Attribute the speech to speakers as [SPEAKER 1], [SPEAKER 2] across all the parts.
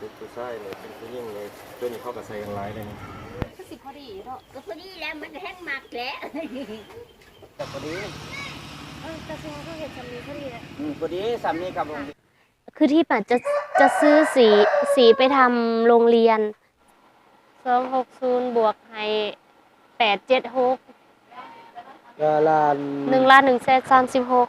[SPEAKER 1] เป็นผู้ชายเลยเป็นผู้หญิงเลยตัวนี้เขาก็ใส่กันหลายเลยนะ
[SPEAKER 2] ก็สิพอดีเนาะ
[SPEAKER 3] ก็พอดีแล้วมันแห้งมากแล้ว
[SPEAKER 1] แต่พอดี
[SPEAKER 2] กระซิงก็เห็นสามีพอดีแหละ
[SPEAKER 1] พอดีสามีกับผม
[SPEAKER 2] คือที่ป่ะจะซื้อสีไปทำโรงเรียน260บวกให้876
[SPEAKER 1] ก็ล้าน
[SPEAKER 2] 1,136,000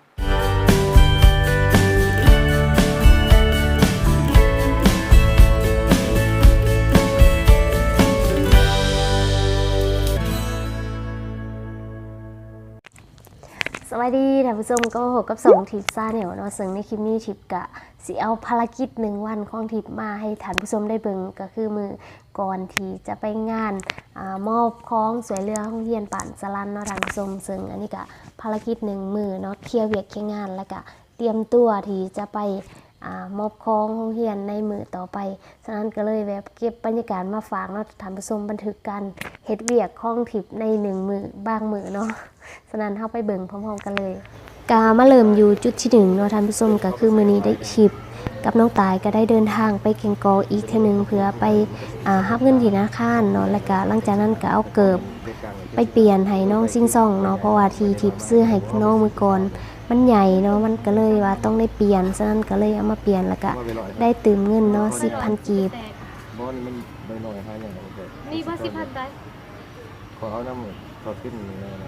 [SPEAKER 2] สวัสดีท่านผู้ชมก็พบกับ2ทิปซ่าเหนียวเนาะซึ่งในคลิปนี้ทิปกะสิเอาภารกิจ1วันของทิปมาให้ท่านผู้ชมได้เบิ่งก็คือมือก่อนที่จะไปงานมอบของสวยเรือโรงเรียนป่านสลันเนาะท่านผู้ชมซึ่งอันนี้ก็ภารกิจ1มื้อเนาะเคลียร์เวียกเคลียร์งานแล้วก็เตรียมตัวที่จะไปมอบของโรงเรียนในมื้อต่อไปฉะนั้นก็เลยแบบเก็บบรรยากาศมาฝากเนาะท่านผู้ชมบันทึกการเฮ็ดเวียกของทิปใน1มื้อบางมื้อเนาะฉะนั้นเข้าไปเบิ่งพร้อมๆกันเลยกามาเริ่มอยู่จุดที่1เนาะท่านผู้ชมก็คือมื้อนี้ได้ชิปกับน้องตายก็ได้เดินทางไปแก่งกออีกเทื่อนึงเพื่อไปรับเงินที่ธนาคารเนาะแล้วก็หลังจากนั้นก็เอาเกิบไปเปลี่ยนให้น้องซิงซ่องเนาะเพราะว่าที่ทิปซื้อให้น้องมื้อก่อนมันใหญ่เนาะมันก็เลยว่าต้องได้เปลี่ยนฉะนั้นก็เลยเอามาเปลี่ยนแล้วก็ได้ตื่มเงินเนาะ 10,000 กีบ
[SPEAKER 1] บ่นี่มันใบหน่อยหาอย่าง
[SPEAKER 2] นี่ว่า 10,000 ได้
[SPEAKER 1] ขอเอาน้ำขอขึ้นนี่นะ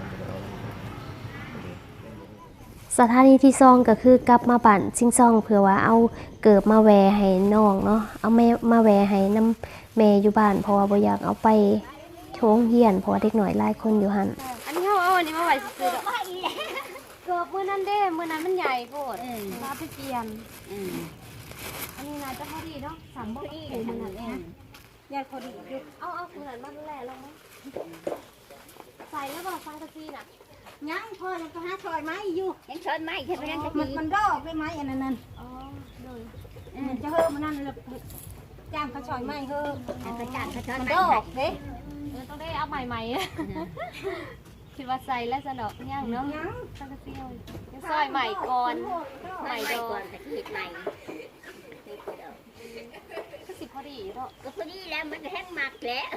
[SPEAKER 2] สถานีที่2ก็คือกลับมาบ้านซิงซ่องเพื่อว่าเอาเกิบมาแวให้น้องเนาะเอาแม่มาแวให้น้ำแม่อยู่บ้านเพราะว่าบ่อยากเอาไปโรงเรียนเพราะว่าเด็กน้อยหลายคนอยู่หั่นอันนี้เฮาเอาอันนี้มาไว้ซื่อๆดอกเกิบมื้อนั้นเด้มื้อนั้นมันใหญ่โพดมาไปเปลี่ยนอันนี้น่าจะพอดีเนาะ3บ่พอดีมื้อนั้นเองใหญ่พอดีอยู่เอามื้อนั้นมาแลลงมั้ยใส่แล้วบ่ฟังตะกี้น่ะ
[SPEAKER 3] ยังพอยังก็หาถอยไม้อยู่ยังถอยไม้ใช่ไหมนั่นจะมันดอกได้ไหมอันนั้น
[SPEAKER 2] อ๋อเลย
[SPEAKER 3] จะเฮิ่มมันนั่นเลยจ้างเขาถอยไม้เฮิ่มเขาจ้างเขาถอยไม้ดอกเด้
[SPEAKER 2] ต้องได้เอาใหม่ๆคิดว่าใส่แล้วสนอกยังเนาะตั้งแต่เที่ยวยังซอยใหม่ก่อน
[SPEAKER 3] ใหม่ก่อนแต่ที่ใหม่
[SPEAKER 2] ก็สิพอดีเนาะ
[SPEAKER 3] ก็พอดีแล้วมันแห้งมากแล้ว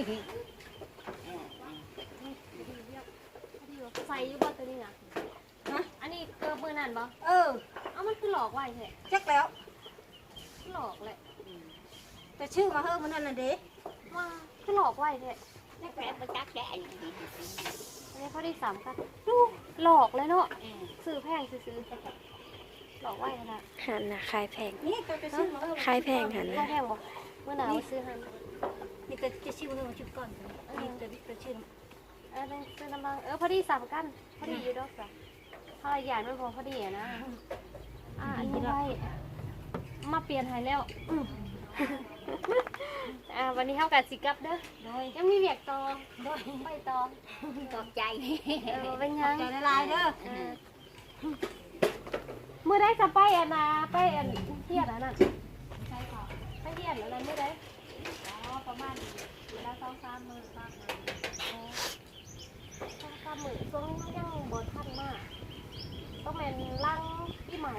[SPEAKER 2] ใส่อยู่บ่ตัวนี้นะอันนี้เกิดมือนั่นบ่เอามันคือหลอกไว้แท้
[SPEAKER 3] เช็คแล้ว
[SPEAKER 2] หลอกแหละ
[SPEAKER 3] แต่ชื่อมาเพิ่มมันนั่นน่ะเด้
[SPEAKER 2] ว่าคือหลอกไว้แท้
[SPEAKER 3] นี่แกไปจักแกอัน
[SPEAKER 2] นี้พอดี3กันดูหลอกเลยเนาะซื้อแพงซื้อหลอกไว้นะ
[SPEAKER 4] หันนะขายแพง
[SPEAKER 3] นี่ก็จะชื่อมา
[SPEAKER 4] ขายแพงหัน
[SPEAKER 2] นะแพงบ่เมื่อหนาวซื้อหัน
[SPEAKER 3] นี่ก็จะชื่อมาชื่อก่อนนี่จะชื่อ
[SPEAKER 2] ต้องซื้อน้ำมันพอดี3กันพอดีอยู่ดอกจ้ะถ้าใหญ่ไม่พอดีนะอันนี้ไว้มาเปลี่ยนให้แล้ววันนี้เท่ากับสิกับเด้อยังมีเวียกต่อไปต่อ
[SPEAKER 3] ขอบใจ
[SPEAKER 2] เป็นยัง
[SPEAKER 3] ใจละลายเด้อ
[SPEAKER 2] เมื่อได้จะไปนะไปเที่ยงนั่นใช่ค่ะไปเที่ยงอะไรไม่ได้ประมาณแล้ว2-3 มื้อ2-3 มื้อช่วงนี้ยังบ่ทันมากต้องเป็นร่างปีใหม่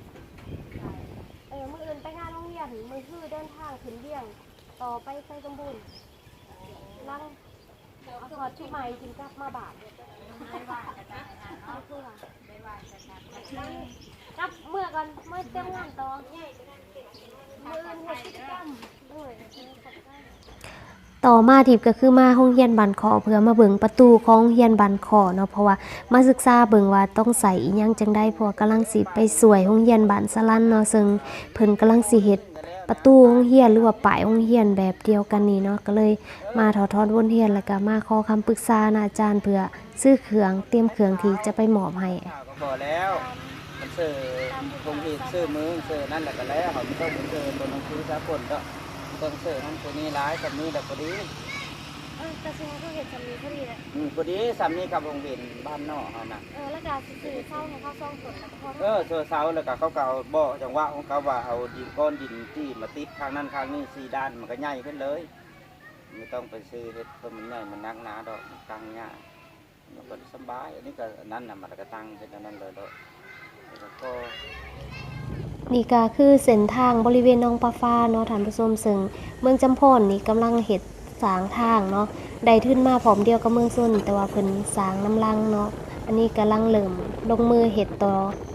[SPEAKER 2] มื้ออื่นไปงานโรงเรียนมื้อคือเดินทางขึ้นเวียงต่อไปไสสมบูรณ์ร่างเอาขอดปีใหม่ถึงกลับมาบาทไม่ว่าจะได้เอาคือว่าไม่ว่าจะกลับเมื่อก่อนเมื่อเต็มงานต่อมื้ออื่นเฮ็ดกิจกรรมด้วยต่อมาทิพย์ก็คือมาโรงเรียนบ้านขอเพื่อมาเบิ่งประตูของโรงเรียนบ้านขอเนาะเพราะว่ามาศึกษาเบิ่งว่าต้องใส่อีหยังจังได้เพราะกำลังสิไปสวยโรงเรียนบ้านสลันเนาะซึ่งเพิ่นกำลังสิเฮ็ดประตูโรงเรียนหรือว่าป้ายโรงเรียนแบบเดียวกันนี่เนาะก็เลยมาถอดถอนวนเรียนแล้วก็มาขอคำปรึกษาอาจารย์เพื่อซื้อเครื่องเตรียมเครื่องที่จะไปมอบให้
[SPEAKER 1] พอแล้วมันซื้อคงที่ซื้อมือซื้อนั่นแหละก็แล้วเขาต้องซื้อบนหนังสือสากลก็ต้องซื้อทั้งตัวนี้ร้ายกับนี้แต่พอดี
[SPEAKER 2] กระซิงก็เห็นสามีพอดีเลย
[SPEAKER 1] พอดีสามีกับโรงเรียนบ้านนอกเขานะ
[SPEAKER 2] แล้วก็ซื้อเช่าให้เขาซ่องสดแล้วก็พอ
[SPEAKER 1] เช่าเช่าแล้วก็เขาเก่าบ่อจังหวะของเขาว่าเอาดินก้อนดินที่มาติดทางนั้นทางนี้4 ด้านมันก็ใหญ่ขึ้นเลยไม่ต้องไปซื้อเฮ็ดเพิ่มมันใหญ่มันนักหนาดอกมันตั้งยากมันก็สบายอันนี้ก็นั่นน่ะมันก็ตั้งเป็นนั่นเลยดอกแล้วก็
[SPEAKER 2] นี่ก็คือเส้นทางบริเวณหนองปลาฟ้าเนาะท่านผู้ชมซึ่งเมืองจำพรนี่กำลังเฮ็ดสร้างทางเนาะได้ขึ้นมาพร้อมเดียวกับเมืองซุนแต่ว่าเพิ่นสร้างน้ำลังเนาะอันนี้กำลังเริ่มลงมือเฮ็ดต่อ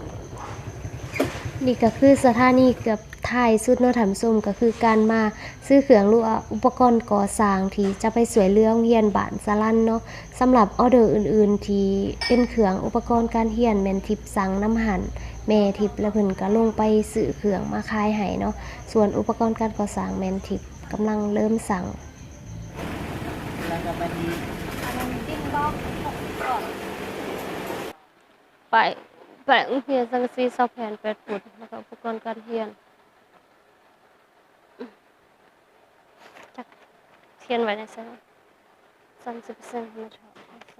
[SPEAKER 2] นี่ก็คือสถานีเกือบท้ายสุดเนาะท่านผู้ชมก็คือการมาซื้อเครื่องหรือว่าอุปกรณ์ก่อสร้างที่จะไปสวยเรือโรงเรียนบ้านสะลันเนาะสำหรับออเดอร์อื่นๆที่เป็นเครื่องอุปกรณ์การเรียนแม่นทิพย์สั่งน้ำหั่น แม่ทิพย์และเพิ่นก็ลงไปซื้อเครื่องมาขายให้เนาะส่วนอุปกรณ์การก่อสร้างแม่นทิพย์กำลังเริ่มสั่ง
[SPEAKER 1] แล้วก็บัดนี้
[SPEAKER 3] อันนั้นดิ้นบล็อกก่อน
[SPEAKER 2] ไปเรียนสังกะสีซอฟแผ่น8 ฟุตแล้วก็อุปกรณ์การเรียนจักเทียนไว้ในเซล30%นะจ๊ะ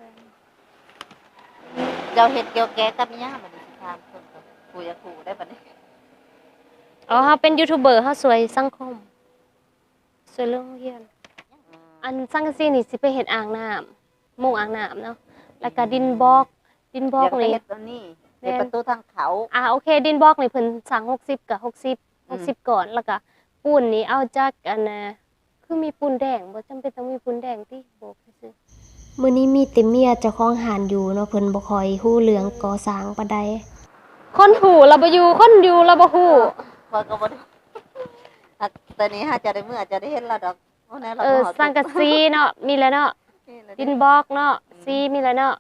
[SPEAKER 5] เจ้าเฮ็ดเกี่ยวแก่กับย่าบัดนี้สิถามเพิ่นก็คุยกับครูได้บัดนี้
[SPEAKER 2] อ๋อเฮาเป็นยูทูบเบอร์เฮาสวยสังคมสวยเรื่องเรียนอันสังกะสีนี่สิไปเฮ็ดอ่างน้ำมุงอ่างน้ำเนาะแล้วก็ดินบล็อก
[SPEAKER 5] เดี๋ยวก็ไป
[SPEAKER 2] นี่
[SPEAKER 5] เฮ็ดตัวนี้เป็นประตูทางเขา
[SPEAKER 2] โอเคดินบล็อกนี่เพิ่นสั่ง60กับ60ก่อนแล้วก็ปูนนี่เอาจากอันน่ะคือมีปูนแดงบ่จำเป็นต้องมีปูนแดงติโบกซื่อมื้อนี้มีแต่เมียเจ้าของหานอยู่เนาะเพิ่นบ่ค่อยฮู้เรื่องก่อสร้างปานใดคนฮู้เราบ่อยู่คนอยู่เราบ่ฮู้
[SPEAKER 5] ข้อยก็บ่ได้ ตอนนี้หาจะได้มื้อจะได้เห็นแล้วดอกโอ้แน่เรา
[SPEAKER 2] สังกะสีเนาะมีแล้วเนาะดินบล็อกเนาะสีมีแล้วเนาะ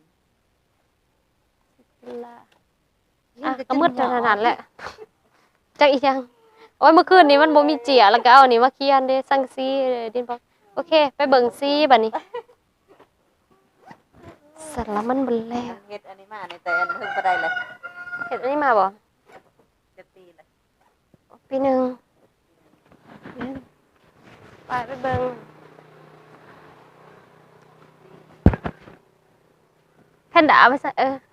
[SPEAKER 2] ก็มืดเท่านั้นแหละจักอีหยังโอ้ยเมื่อคืนนี้มันบ่มีเจียแล้วก็เอานี่มาเขียนเด้สังกะสีดินบล็อกโอเคไปเบิ่งสีบัดนี้สัตว์ละมันบ่แล้ว
[SPEAKER 5] เฮ็ดอันนี้มานี่แต่อันเพิ่งบ่ได้เลย
[SPEAKER 2] เฮ็ดอันนี้มาบ่
[SPEAKER 5] จะปีเลย
[SPEAKER 2] ปีหนึ่งไปเบิ่งแพนด้าไปซะ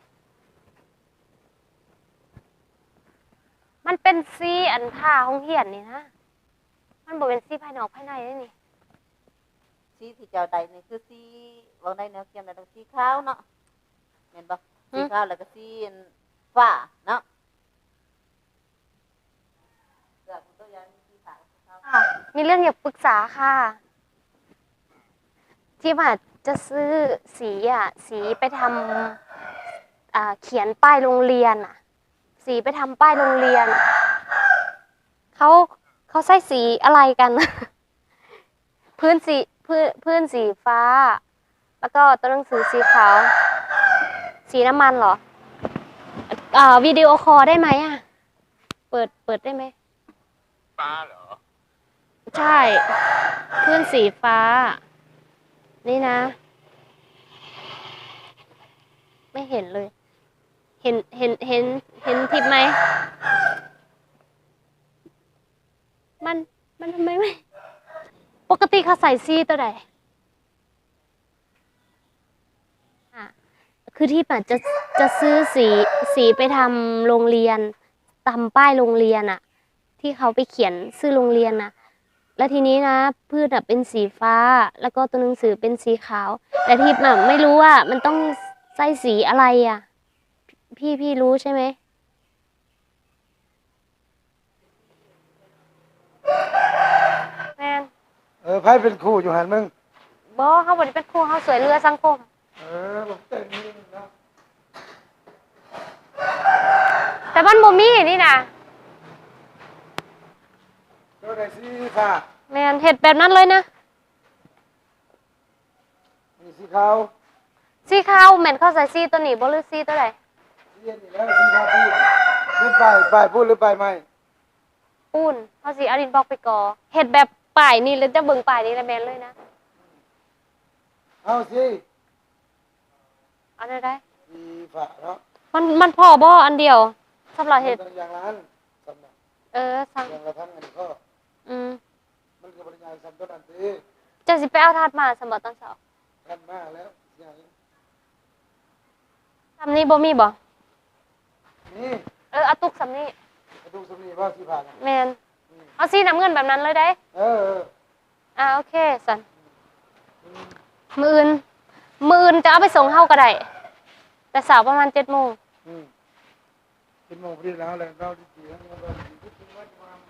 [SPEAKER 2] มันเป็นสีอันท่าห้องเฮียนนี่นะ มันบ่เป็นสีภายนอกภายในเลยนี่
[SPEAKER 5] สีที่เจ้าใดนี่คือสีบ่ได้แนวเขียนแล้วสีขาวเนาะแม่นบ่สีขาวแล้วก็สีฟ้าเนาะเสื้อตัวอย่างสีขาว
[SPEAKER 2] มีเรื่องอยากปรึกษาค่ะ ที่ว่าจะซื้อสีไปทำเขียนป้ายโรงเรียนสีไปทำป้ายโรงเรียนเขาใช้สีอะไรกัน พื้นสีฟ้า แล้วก็ตัวหนังสือสีขาว สีน้ำมันเหรอวิดีโอคอลได้ไหมเปิดได้ไหมฟ้าเหรอใช่พื้นสีฟ้านี่นะไม่เห็นเลยเห็นทิปไหมมันทำไมไม่ปกติเขาใส่ซีตัวใดคือที่ป่ะจะซื้อสีไปทำโรงเรียนทำป้ายโรงเรียนที่เขาไปเขียนชื่อโรงเรียนแล้วทีนี้นะพืชเป็นสีฟ้าแล้วก็ตัวหนังสือเป็นสีขาวแต่ทิพย์ไม่รู้ว่ามันต้องใส่สีอะไรพี่รู้ใช่ไหมแม่น
[SPEAKER 6] ไพ่เป็นครูอยู่หันมึง
[SPEAKER 2] บ่เขาบ่ได้เป็นครูเขาสวยเรือสังคม
[SPEAKER 6] ผมเต้นนี่นะ
[SPEAKER 2] แต่มันบ่มีนี่นะ
[SPEAKER 6] ก็ได้สีฟ้า
[SPEAKER 2] แม่นเฮ็ดแบบนั้นเลยนะ
[SPEAKER 6] มีสีขาว
[SPEAKER 2] สีขาวแม่นเขาใส่สีตัวนี้บ่หรือสีตัวใด
[SPEAKER 6] สีเย็นนี่แล้วสีขาวพูดเป็นป้ายพูดหรือป้ายไม่
[SPEAKER 2] ปูนเขาสิเอาดินบล็อกไปก่อเฮ็ดแบบป้ายนี่เลยจะเบิ่งป้ายนี่ละแม่นเลยนะ
[SPEAKER 6] เอาสิ
[SPEAKER 2] เอาได้
[SPEAKER 6] สีฟ้าเนาะ
[SPEAKER 2] มันพอบ่อันเดียวสำหรับเฮ็ด
[SPEAKER 6] มันอย่างนั้นสำนัก
[SPEAKER 2] สั่ง
[SPEAKER 6] อย่างละทั้งอันนี้ก็ มันคือบริญญาณสำต้นอันตี
[SPEAKER 2] จะสิไปเอาถาดมาสำหรับตอนเช้า
[SPEAKER 6] กันมาแล้วอย่างนี้
[SPEAKER 2] สำนี้บ่มีบ่
[SPEAKER 6] นี่
[SPEAKER 2] เอาตุกสำนี้
[SPEAKER 6] กระดูกสำนีว่าสีฟ้านะ
[SPEAKER 2] แม่นเอาสีน้ำเงินแบบนั้นเลยได้ โอเคสันมื้ออื่นจะเอาไปส่งเฮาก็ได้แต่สาวประมาณ 7:00 น
[SPEAKER 6] อืมเป็นโมงพอดีแล้วเลยเราดีจีแล้วเราดีที่ว่าจะมา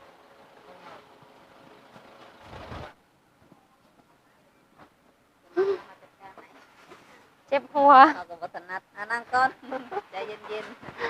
[SPEAKER 2] เจ็บหัว
[SPEAKER 5] เอากับวัฒนัดนั่งก่อนใจเย็น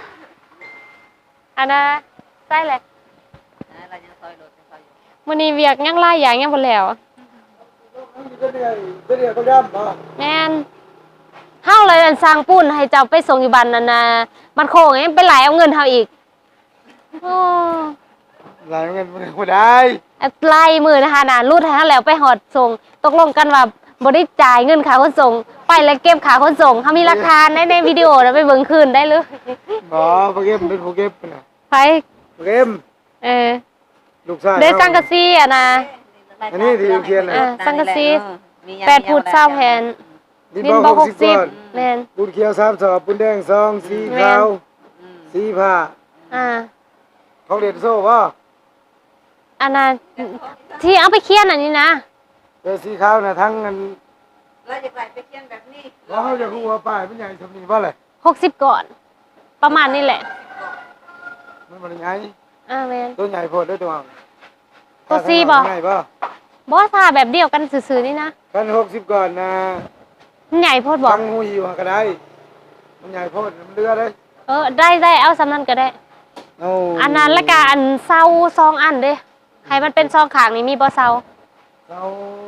[SPEAKER 2] อันน่ะใส่แหละ
[SPEAKER 5] ๆเรายังซอยรถยังซอยอยู่
[SPEAKER 2] มื้อนี้เวียกยังหลายอย่างยังบ่แล้ว
[SPEAKER 6] ก็เรียกเขาย่ำมา
[SPEAKER 2] แม่นเฮาเลยอันสร้างปุ้นให้เจ้าไปส่งอยู่บ้านนั่นน่ะมันโค้งยังไปหลายเอาเงินเฮาอีกโอ้
[SPEAKER 6] หลายเงินมันไม่ได้
[SPEAKER 2] ไล่มือนะคะน่ะรูดให้เฮาแล้วไปหอดส่งตกลงกันว่าบ่ได้จ่ายเงินค่าขนส่งไปแล้วเก็บค่าขนส่งเฮามีหลักฐานในวิดีโอแล้วไปเบิ่งคืนได้เลย
[SPEAKER 6] อ๋อโปรแกรมเป็นโปรแกรมนะ
[SPEAKER 2] ไป
[SPEAKER 6] โปรแกรม ลูกชาย
[SPEAKER 2] เด้สังกะสีอ่ะนะ
[SPEAKER 6] อันนี้ที่เขียนนะ
[SPEAKER 2] สังกะสี8ฟุต20แผ่น ดินบ่60แม่น
[SPEAKER 6] ปูนเขียว3 สอบปูนแดง2สีขาวสีผ้า ของเด็ดโซ่ป่ะ
[SPEAKER 2] อันนั้นที่เอาไปเขียนอันนี้นะ
[SPEAKER 6] แต่สีขาวนะทั้งเงิน
[SPEAKER 5] เราจะไปเขียนแบบนี้
[SPEAKER 6] เราเขาจะหัวป้ายเป็นใหญ่ทำนี่ป่ะเลย
[SPEAKER 2] 60ก่อน ประมาณนี้แหละ
[SPEAKER 6] มันมันใหญ่
[SPEAKER 2] แม่น
[SPEAKER 6] ตัวใหญ่โพดด้วยตัว
[SPEAKER 2] ตัวซีบ่
[SPEAKER 6] ใหญ่ป่ะ
[SPEAKER 2] บ่ท่าแบบเดียวกันซื่อๆนี่นะ
[SPEAKER 6] กัน60 ก่อนนะ
[SPEAKER 2] มันใหญ่โพดบ่
[SPEAKER 6] ทั้งหูหิวก็ได้มันใหญ่โพดมันเลือได้
[SPEAKER 2] ได้เอาสำนั้นก็ได้
[SPEAKER 6] เอา
[SPEAKER 2] อันนั้นและกอันเซา2อันเด้ให้มันเป็น2ข้างนี่มีบ่เซา
[SPEAKER 6] เรา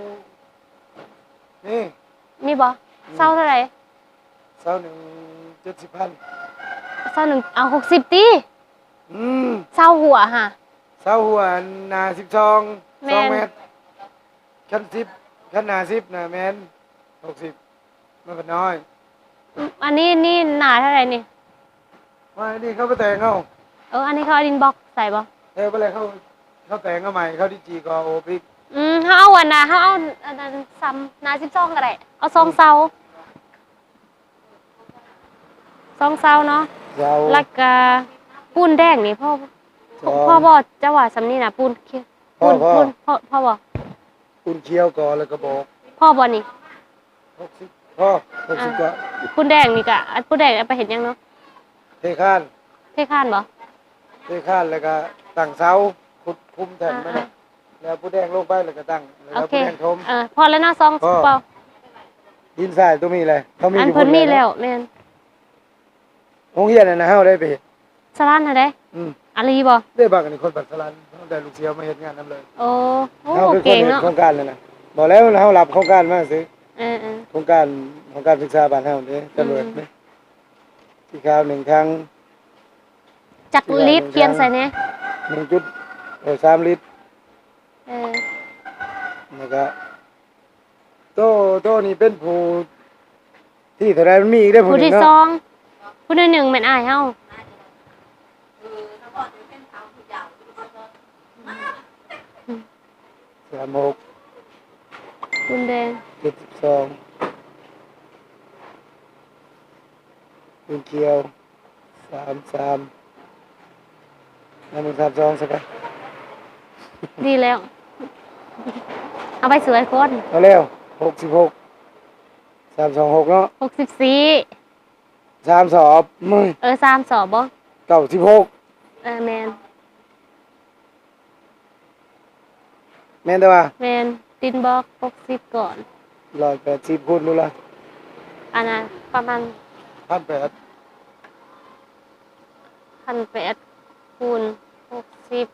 [SPEAKER 6] นี่
[SPEAKER 2] มีบ่เซาเท่าไหร่
[SPEAKER 6] เสาหนึ่ง70,000
[SPEAKER 2] เซาหนึ่งเอา60ติ เซาหัวฮะ
[SPEAKER 6] เสาหัวหนา12
[SPEAKER 2] แม่น
[SPEAKER 6] 2 เมตรชั้น10ชั้นหนา10นะแม่น60มันก็น้อย
[SPEAKER 2] อันนี้นี่หนาเท่าไหร่นี่
[SPEAKER 6] ว่านี่เขาไปแต่งเอา
[SPEAKER 2] อันนี้เขาเอาดินบล็อกใส่บ่
[SPEAKER 6] เออไปเลยเขาแต่งเอาใหม่เขาดิจีก็โอปิก
[SPEAKER 2] เขาเอาอันน่ะเขาเอาอันนั้นซ้ำหนา12ก็ได้เอา2เซา2เซาเนาะ
[SPEAKER 6] ยาว
[SPEAKER 2] แล้วก็ปูนแดงนี่พ่อ
[SPEAKER 6] สอง
[SPEAKER 2] พ่อบอกจะว่าสำนี่นะปูนเขียว
[SPEAKER 6] พ่อ
[SPEAKER 2] พ่อบอก
[SPEAKER 6] ปูนเคี้ยวก่อนแล้วก็บอก
[SPEAKER 2] พ่อบอกนี่
[SPEAKER 6] 60พ่อ60ก็
[SPEAKER 2] ปูนแดงนี่กะอันปูนแดงเอาไปเห็นยังเนาะ
[SPEAKER 6] เทข้าน
[SPEAKER 2] เท่ข้านบ่
[SPEAKER 6] เทข้านแล้วก็ตั้งเสาขุดคุมแท่นมันน่ะแล้วผู้แดงลงไปแล้วก็ตั้งแล้ว
[SPEAKER 2] โอเค
[SPEAKER 6] ผู้แดงทม
[SPEAKER 2] พอแล้วเนาะซอง
[SPEAKER 6] พ่อ
[SPEAKER 2] เปล่า
[SPEAKER 6] ดินทรายตัวมีเลยเขามี
[SPEAKER 2] อัน
[SPEAKER 6] อยู่
[SPEAKER 2] เพิ่นมี
[SPEAKER 6] ค
[SPEAKER 2] แล้วแม่น
[SPEAKER 6] โรงเรียนน่ะนะเฮาได้ไปเฮ็ด
[SPEAKER 2] สลานเท่าใด
[SPEAKER 6] อืม
[SPEAKER 2] อาลีบ่
[SPEAKER 6] ได้บักอันนี้คนบัตรสลันเฮาได้ลูกเสียวมาเฮ็ดงานนํเลย
[SPEAKER 2] โอ้
[SPEAKER 6] เฮาเป็นคน
[SPEAKER 2] เก่ง
[SPEAKER 6] เฮ็ด
[SPEAKER 2] เนาะ
[SPEAKER 6] โครงการนั่นน่ะบอกแล้วเฮารับโครงการมาซื้อ
[SPEAKER 2] เออ
[SPEAKER 6] โครงการศึกษาบ้านเฮาเด้ตำรวจเด้ที่ข่าว1ครั้ง
[SPEAKER 2] จักลิตรเขียนใส่แน่
[SPEAKER 6] 3 ลิตร
[SPEAKER 2] เออ
[SPEAKER 6] แล้วก็โตนี่เป็นผู้ที่เท่าไรมันมีอีกได้อ
[SPEAKER 2] ผู้
[SPEAKER 6] ผู้หนึ
[SPEAKER 2] ที่
[SPEAKER 6] ง
[SPEAKER 2] ส
[SPEAKER 6] เนาะ
[SPEAKER 2] องผู้ที่หนึ่งแม่นอ้ายเฮา
[SPEAKER 6] 36
[SPEAKER 2] ปูนแดง
[SPEAKER 6] 72ปูนเขียว33แล้วมัน32สักกัน
[SPEAKER 2] ดีแล้ว เอาไปสวยคน
[SPEAKER 6] เอาแล้ว66 326เนาะ
[SPEAKER 2] 64
[SPEAKER 6] 3สอบมึง
[SPEAKER 2] 3สอบบ่
[SPEAKER 6] 96
[SPEAKER 2] แม่น
[SPEAKER 6] แม่นแต่ว่า
[SPEAKER 2] แม่นดินบล็อก60ก่อน
[SPEAKER 6] 180คูณดูละ
[SPEAKER 2] อันนั้นประมาณ
[SPEAKER 6] 1,800
[SPEAKER 2] 1,800คูณ60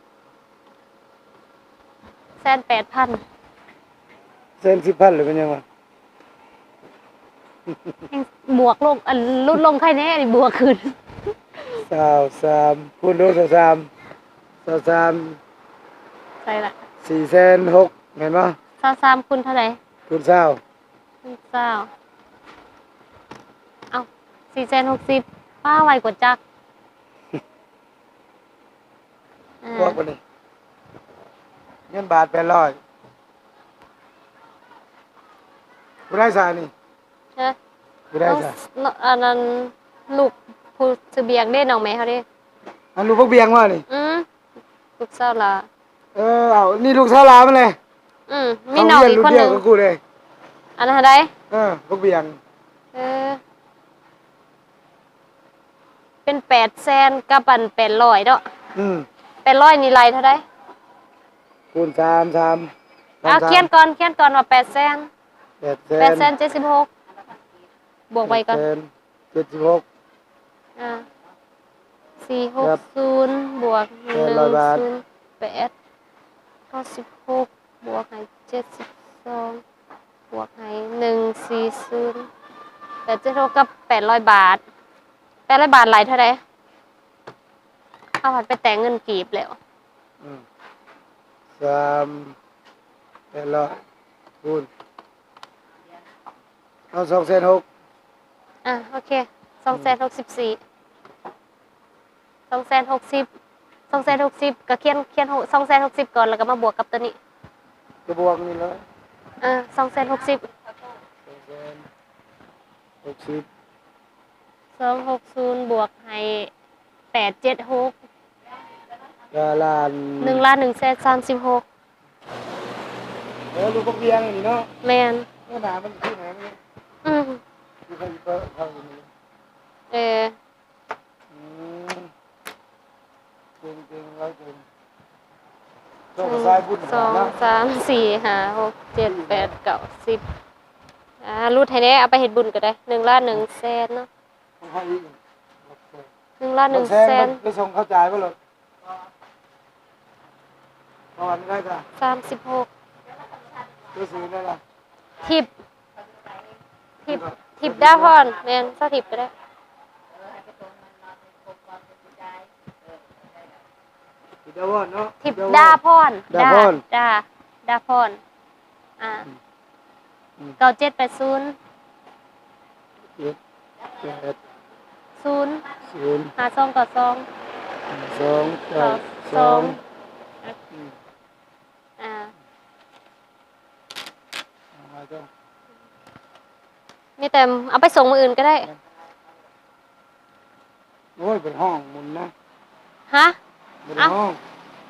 [SPEAKER 2] 1,800,000
[SPEAKER 6] เส้น10,000หรือเป็นยังวะ
[SPEAKER 2] บวกลงลดลงใครแน่นี่บวกขึ้น
[SPEAKER 6] 23คูณดู23
[SPEAKER 2] ใช่ละ
[SPEAKER 6] 4,600,000เห็นป่ะ
[SPEAKER 2] 23คูณเท่าไหร่
[SPEAKER 6] คูณ20
[SPEAKER 2] คูณ9เอ้า460ป้าไวกว่าจัก
[SPEAKER 6] พวกคนนี้เงินบาท800ผู้ได้สายนี่
[SPEAKER 2] เฮ้ย
[SPEAKER 6] ผู้ได้สาย
[SPEAKER 2] อันนั้นลูกผู้ซื้อเบียงได้น้องแม่เขาดิ
[SPEAKER 6] อันลูกพวกเบียงว่านี่
[SPEAKER 2] ลูกสาวละ
[SPEAKER 6] เอานี่ลูกสาวหลานมันเลย
[SPEAKER 2] มีน้องอีกคนหนึง
[SPEAKER 6] เขาเรียลูกเดียวกับกูเลย
[SPEAKER 2] อันนั้นเท่าไหร่
[SPEAKER 6] พวกเบียง
[SPEAKER 2] เออ ไปเป็น800,000กับ800เนาะ
[SPEAKER 6] อืม
[SPEAKER 2] 800นี่ไรเท่าใด
[SPEAKER 6] คูณ3
[SPEAKER 2] เขียนก่อนว่า800,000 876บวกไปก่อน
[SPEAKER 6] 76
[SPEAKER 2] อ่า460บวก
[SPEAKER 6] 800 บาท
[SPEAKER 2] 108 96บวกให้72บวกให้140 876กับ800 บาท800 บาทไหลเท่าใดเอาผัดไปแต่งเงินกีบแล้ว
[SPEAKER 6] อืม800คูณเอา260,000
[SPEAKER 2] โอเค264 260ก็เขียน260ก่อนแล้วก็มาบวกกับตัวนี้
[SPEAKER 6] จะบวกนี่เลย
[SPEAKER 2] 260
[SPEAKER 6] 260
[SPEAKER 2] 260บวกให้876
[SPEAKER 6] กาลาน
[SPEAKER 2] 1,136,000
[SPEAKER 6] ลูกพวกเบียงนี่เนาะ
[SPEAKER 2] แม่น
[SPEAKER 6] เมื่อหนามันขึ้นหามัน
[SPEAKER 2] อืม
[SPEAKER 6] คือเขาเปิดเขาอยู่นี่
[SPEAKER 2] เออ
[SPEAKER 6] อืมเก่งๆแล้วเก่งต้องกระสายบุญ
[SPEAKER 2] สอง
[SPEAKER 6] นะ
[SPEAKER 2] สามสี่ห้าหกเจ็ดแปดเก้าสิบรูดให้แน่เอาไปเฮ็ดบุญก็ได้1,100,000เนาะ
[SPEAKER 6] ต้องให้อีก
[SPEAKER 2] 1,100,000
[SPEAKER 6] ไปส่งเข้าจ่ายก็เลยตอนได้จ้ะ
[SPEAKER 2] 36
[SPEAKER 6] ก็ซื้อได้ละ
[SPEAKER 2] ทิปดาพรแม่นซะทิปก็ได้
[SPEAKER 6] ติดดาวน์เนาะ
[SPEAKER 2] ทิปดาพร
[SPEAKER 6] ดาพร
[SPEAKER 2] ดาพร9780
[SPEAKER 6] 7 8
[SPEAKER 2] 0
[SPEAKER 6] 0
[SPEAKER 2] 52ต่อ2
[SPEAKER 6] 2
[SPEAKER 2] ต่อ
[SPEAKER 6] 8 2 มาจ้ะ
[SPEAKER 2] นี่แต่เอาไปส่งมืออื่นก็ได้
[SPEAKER 6] โอ้ยเป็นห้องมุนนะ
[SPEAKER 2] ฮะ
[SPEAKER 6] เป็นห้อง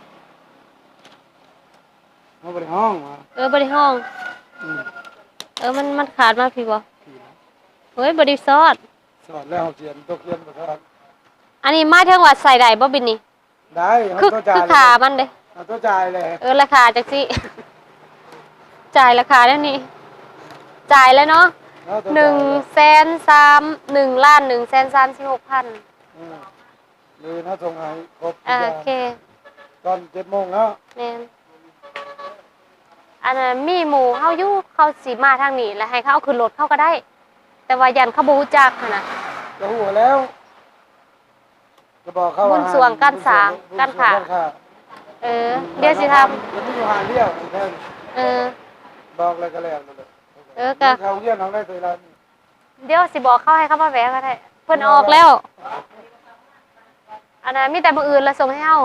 [SPEAKER 6] เขาเป็นห้องมา
[SPEAKER 2] บริห้อง
[SPEAKER 6] อืม
[SPEAKER 2] มันขาดมาพี่บ่เฮ้ยบริซอด
[SPEAKER 6] สอนแล้วเขียนตัวเขียนมาสอน
[SPEAKER 2] อันนี้มาเท่งว่าใส่ได้บ่บินนี่
[SPEAKER 6] ได้เขา
[SPEAKER 2] คือ
[SPEAKER 6] ตัวจ่าย
[SPEAKER 2] ขามันเด้
[SPEAKER 6] เอาตัวจ่ายเลย
[SPEAKER 2] ราคาจักสิ จ่ายราคาแล้วนี่จ่ายแล้วเนาะ
[SPEAKER 6] เอาตัวจ่ายเลย
[SPEAKER 2] 1,136,000
[SPEAKER 6] เลยนะส่งให้ครบ
[SPEAKER 2] โอเค
[SPEAKER 6] ตอน7 โมงแล้ว
[SPEAKER 2] แม่นอันนั้นมีหมู่เฮาอยู่เขาสิมาทางนี้แล้วให้เขาเอาขึ้นรถเขาก็ได้ แต่ว่ายันเขาบ่รู้จักหั่นน่ะ
[SPEAKER 6] จะหัวแล้วจะบอกเขา
[SPEAKER 2] บุญสวงการสร้างการขา เดี๋ยวสิทำ
[SPEAKER 6] จะไม่อยู่หาเลี้ยวแค่นี้ บอกอะไรก็แล้วนั่นแหละ
[SPEAKER 2] ก็
[SPEAKER 6] เขาเยี่ยนเขาได้ตัวละ
[SPEAKER 2] เดี๋ยวสิบอกเขาให้เขามาแวะก็ได้เพิ่นออกแล้ว อันนั้นมีแต่มื้ออื่นแล้วส่งให้เฮา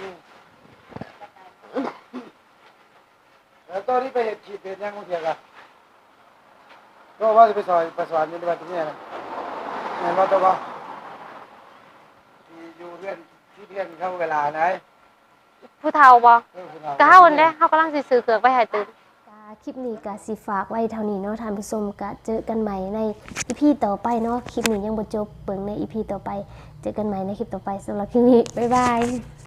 [SPEAKER 6] แล้วตอนนี้ไปเห็ดขีดเห็ดยังคงเถียงกันก็ว่าจะไปสอนอยู่ในวันที่นี่นะเห็นว่าตัวบ่ที่อยู่เพื่อนที่เพื่อนเข้าเวลาไหน
[SPEAKER 2] ผู้เฒ่าบ่
[SPEAKER 6] คุณอ
[SPEAKER 2] ก็เฮานั่นเด้เฮากำลังสิซื้อเครื่องไปให้ตื่น
[SPEAKER 7] คลิปนี้ก็สิฝากไว้เท่านี้เนาะท่านผู้ชมก็เจอกันใหม่ใน EP ต่อไปเนาะคลิปนี้ยังบ่จบเบิ่งใน EP ต่อไปเจอกันใหม่ในคลิปต่อไปสำหรับคลิปนี้บ๊ายบาย